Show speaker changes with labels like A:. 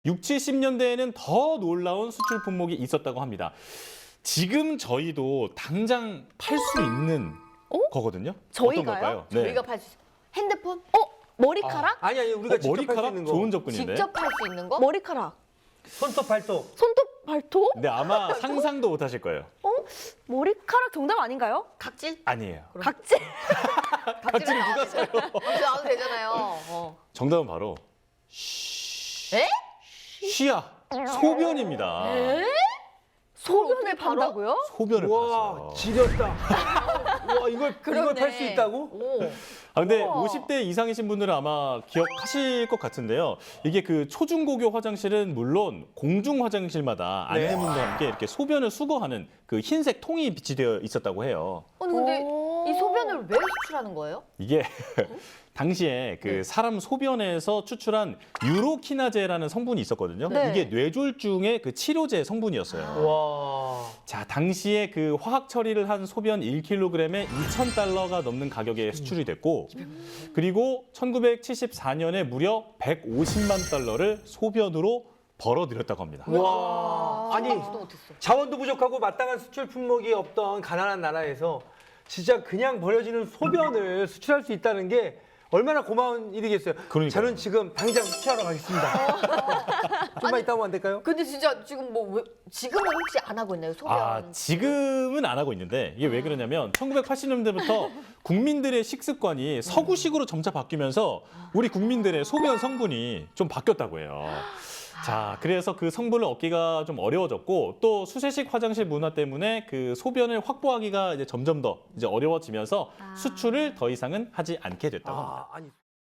A: 6, 70년대에는 더 놀라운 수출 품목이 있었다고 합니다. 지금 저희도 당장 팔 수 있는 거거든요.
B: 저희가요?
A: 어떤 걸까요? 네.
C: 우리가 팔 수 있어. 핸드폰?
B: 머리카락?
D: 아니 우리가 직접 할 수
A: 머리카락
D: 있는 거.
A: 좋은 접근인데.
C: 직접 할 수 있는 거?
B: 머리카락.
D: 손톱 발톱.
B: 손톱, 발톱?
A: 근데 아마 상상도 못 하실 거예요.
B: 머리카락 정답 아닌가요?
C: 각질?
A: 아니에요.
B: 각질?
C: 각질을 누가 써요? 각질 나와도 되잖아요.
A: 정답은 바로
C: 에?
A: 쉬야. 소변입니다.
B: 소변을
C: 어떻게 팔아?
B: 판다고요?
A: 소변을
D: 와
A: 팔았어요.
D: 지렸다. 와 이걸 팔 수 있다고?
C: 오.
A: 아, 근데
C: 우와.
A: 50대 이상이신 분들은 아마 기억하실 것 같은데요. 이게 그 초중고교 화장실은 물론 공중 화장실마다
D: 네.
A: 안내문과 함께 이렇게 소변을 수거하는 그 흰색 통이 비치되어 있었다고 해요.
C: 아니 근데
B: 오.
C: 이 소변을 왜 수출하는 거예요?
A: 이게 당시에 그 사람 소변에서 추출한 유로키나제라는 성분이 있었거든요.
B: 네.
A: 이게 뇌졸중의 그 치료제 성분이었어요.
D: 와.
A: 자, 당시에 그 화학 처리를 한 소변 1kg에 2,000달러가 넘는 가격에 수출이 됐고, 그리고 1974년에 무려 150만 달러를 소변으로 벌어들였다고 합니다.
D: 와. 아니
C: 생각지도 못했어.
D: 자원도 부족하고 마땅한 수출 품목이 없던 가난한 나라에서 진짜 그냥 버려지는 소변을 수출할 수 있다는 게 얼마나 고마운 일이겠어요.
A: 그러니까요.
D: 저는 지금 당장 수출하러 가겠습니다. 좀만 이따 오면 안 될까요?
C: 근데 진짜 지금 지금은 혹시 안 하고 있나요? 소변?
A: 아, 지금은 안 하고 있는데 이게 왜 그러냐면 1980년대부터 국민들의 식습관이 서구식으로 점차 바뀌면서 우리 국민들의 소변 성분이 좀 바뀌었다고 해요. 자, 그래서 그 성분을 얻기가 좀 어려워졌고 또 수세식 화장실 문화 때문에 그 소변을 확보하기가 이제 점점 더 이제 어려워지면서 수출을 더 이상은 하지 않게 됐다고 합니다.
D: 아니.